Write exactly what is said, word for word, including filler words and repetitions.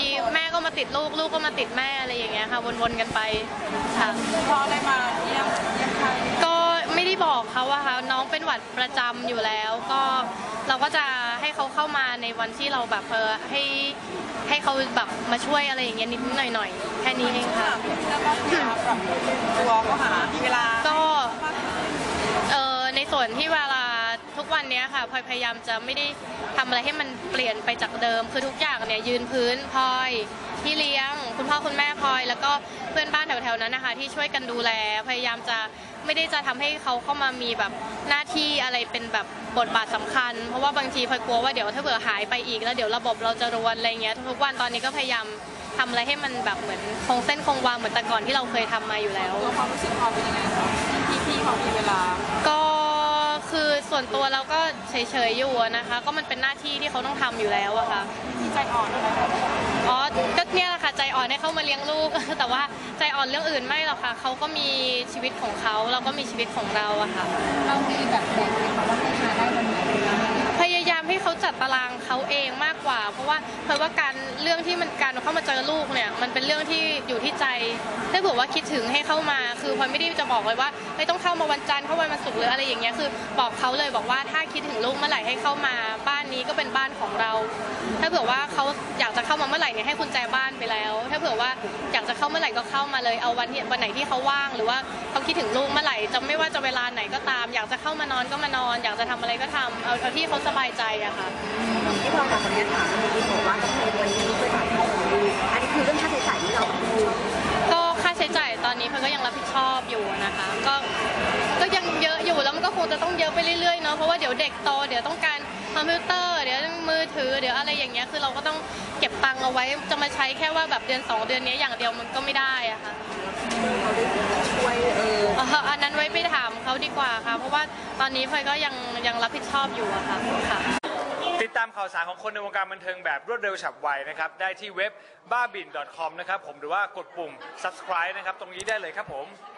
ทีแม่ก็มาติดลูกลูกก็มาติดแม่อะไรอย่างเงี้ยค่ะวนๆกันไปค่ะพออะไรมาเยี่ยมเยี่ยมใครก็ไม่ได้บอกเขาว่าค่ะน้องเป็นหวัดประจำอยู่แล้วก็เราก็จะให้เขาเข้ามาในวันที่เราแบบเออให้ให้เขาแบบมาช่วยอะไรอย่างเงี้ยนิดหน่อยหน่อยแค่นี้เองค่ะแล้วก็พยายามปรับตัวก็หาเวลาก็เออในส่วนที่เวลาทุกวันนี้ค่ะพลอยพยายามจะไม่ได้ทำอะไรให้มันเปลี่ยนไปจากเดิมคือทุกอย่างเนี่ยยืนพื้นพลอยพี่เลี้ยงคุณพ่อคุณแม่พลอยแล้วก็เพื่อนบ้านแถวๆนั้นนะคะที่ช่วยกันดูแลพยายามจะไม่ได้จะทำให้เขาเข้ามามีแบบหน้าที่อะไรเป็นแบบบทบาทสำคัญเพราะว่าบางทีพลอยกลัวว่าเดี๋ยวถ้าเผื่อหายไปอีกแล้วเดี๋ยวระบบเราจะรวนอะไรเงี้ยทุกวันตอนนี้ก็พยายามทำอะไรให้มันแบบเหมือนคงเส้นคงวาเหมือนแต่ก่อนที่เราเคยทำมาอยู่แล้วความรู้สึกความเป็นยังไงคะที่พี่เขามีเวลาก็คือส่วนตัวเราก็เฉยๆอยู่นะคะก็มันเป็นหน้าที่ที่เขาต้องทำอยู่แล้วอะค่ะที่ใจอ่อนอะไรอ๋อก็เนี่ยแหละค่ะใจอ่อนให้เขามาเลี้ยงลูกแต่ว่าใจอ่อนเรื่องอื่นไม่หรอกค่ะเขาก็มีชีวิตของเขาเราก็มีชีวิตของเราอะค่ะเรามีแบบแบ่งไหมคะว่าให้มาได้วันไหนพยายามให้เขาจัดตารางเขาเองมากกว่าเพราะว่าเพราะว่าการเรื่องที่มันการเข้ามาเจอลูกเนี่ยมันเป็นเรื่องที่อยู่ที่ใจถ้าเผื่อว่าคิดถึงให้เข้ามาคือพลอยไม่ได้จะบอกเลยว่าไม่ต้องเข้ามาวันจันทร์เข้าวันศุกร์หรืออะไรอย่างเงี้ยคือบอกเขาเลยบอกว่าถ้าคิดถึงลูกเมื่อไหร่ให้เข้ามาบ้านนี้ก็เป็นบ้านของเราถ้าเผื่อว่าเขาอยากจะเข้ามาเมื่อไหร่เนี่ยให้กุญแจบ้านไปแล้วถ้าเผื่อว่าอยากจะเข้าเมื่อไหร่ก็เข้ามาเลยเอาวันที่วันไหนที่เขาว่างหรือว่าเขาคิดถึงลูกเมื่อไหร่จะไม่ว่าจะเวลาไหนก็ตามอยากจะเข้ามานอนก็มานอนอยากจะทำอะไรก็ทำเอาที่เขาสบายใจอะค่ะที่เราจากคนนี้ถามเมื่อกี้บอกว่าต้องในวันนี้ช่วยจ่ายค่าของลูกอันนี้คือเรื่องค่าใช้จ่ายที่เราดูก็ค่าใช้จ่ายตอนนี้เพนก็ยังรับผิดชอบอยู่นะคะก็ก็ยังเยอะอยู่แล้วมันก็คงจะต้องเยอะไปเรื่อยๆเนาะเพราะว่าเดี๋ยวเด็กโตเดี๋ยวต้องการคอมพิวเตอร์เดี๋ยวมือถือเดี๋ยวอะไรอย่างเงี้ยคือเราก็ต้องเก็บตังค์เอาไว้จะมาใช้แค่ว่าแบบเดือนสองเดือนนี้อย่างเดียวมันก็ไม่ได้อะค่ะช่วยเอออันนั้นไว้ไปถามเขาดีกว่าค่ะเพราะว่าตอนนี้พลอยก็ยังยังรับผิดชอบอยู่อะค่ะค่ะติดตามข่าวสารของคนในวงการบันเทิงแบบรวดเร็วฉับไวนะครับได้ที่เว็บบ้าบิ่น ดอท คอม นะครับผมหรือว่ากดปุ่ม ซับสไครบ์ นะครับตรงนี้ได้เลยครับผม